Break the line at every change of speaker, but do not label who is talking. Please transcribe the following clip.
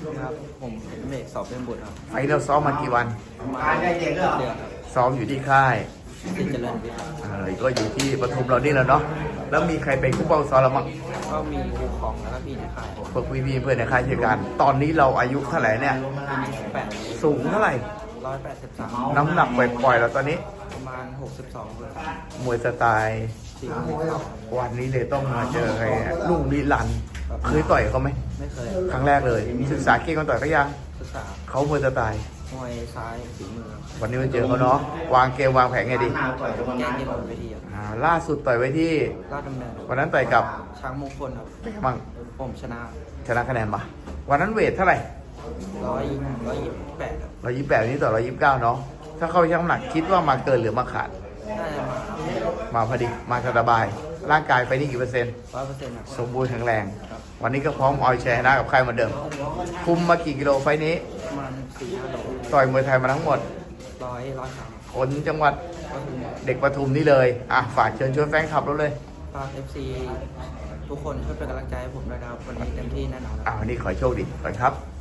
ครับผมเป็นเมฆสอบเป็นบุตรครับ
ไฟล์เราซ้อมมากี่วัน
ประมาณเดือนครับ
ซ้อมอยู่ที่ค่าย
สิเจริญวิทย์ครับ
ก็อยู่ที่ปทุมเรานี่แหละเนาะแล้วมีใครเป็นคู่ป้องซ้อมเราบ้าง
ก็มีครูของแล้วก็พี่ในค่าย
พวกพี่ๆเพื่อนในค่ายเช่นกันตอนนี้เราอายุเท่าไหร่เนี่ย
ปี28
สูงเท่าไหร่
183
น้ำหนักปล่อยๆเราตอนนี้
ประมาณ62เลย
มวยสไตล์
4
วันนี้เลยต้องมาเจอใครเนี่ยลุงนิรันดร์เคยต่อยเขาไหม
ไม่เคย
ครั้งแรกเลยศึกษาเก่งกันต่อยก็ยัง
ศึกษา
เขามวยสไตล์
มวยซ้ายฝีมือ
วันนี้มาเจอเขาเนาะวางเกมวางแผนไงดี
แก้เกมบนเวทีครับ
ล่าสุดต่อยไว้ที่
ลาดดำเนิน
วันนั้นต่อยกับ
ช้างมงคลครับ
เป็นไงบ้าง
ผมชนะ
ชนะคะแนนมาวันนั้นเวทเท่าไหร่
128ครับ
128นี้ต่อ129เนาะถ้าเข้าไปชั่งน้ำหนักคิดว่ามาเกินหรือมาขาด
น่าจะมา
มาพอดีมาสบายร่างกายไปนี่กี่เปอร์เซ็นต์
100%ครับ
สมบูรณ์แข็งแรง วันนี้ก็พร้อมเอาแชร์นะกับใครเหมือนเดิม คุมมากี่กิโลไฟล์นี้
ประมาณ4-5 โล
ต่อยมวยไทยมาทั้งหมด
100
คนจังหวัด
ก็คือ
เด็กปทุมนี่เลย ฝากเชิญชวนแฟนคลับเราเลย
ฝาก FC ทุกคนช่วยเป็นกำลังใจให้ผมด้วยนะครับ วันนี้เต็มที่แน่นอนครับ
วันนี้ขอให้โชคดีก่อนครับ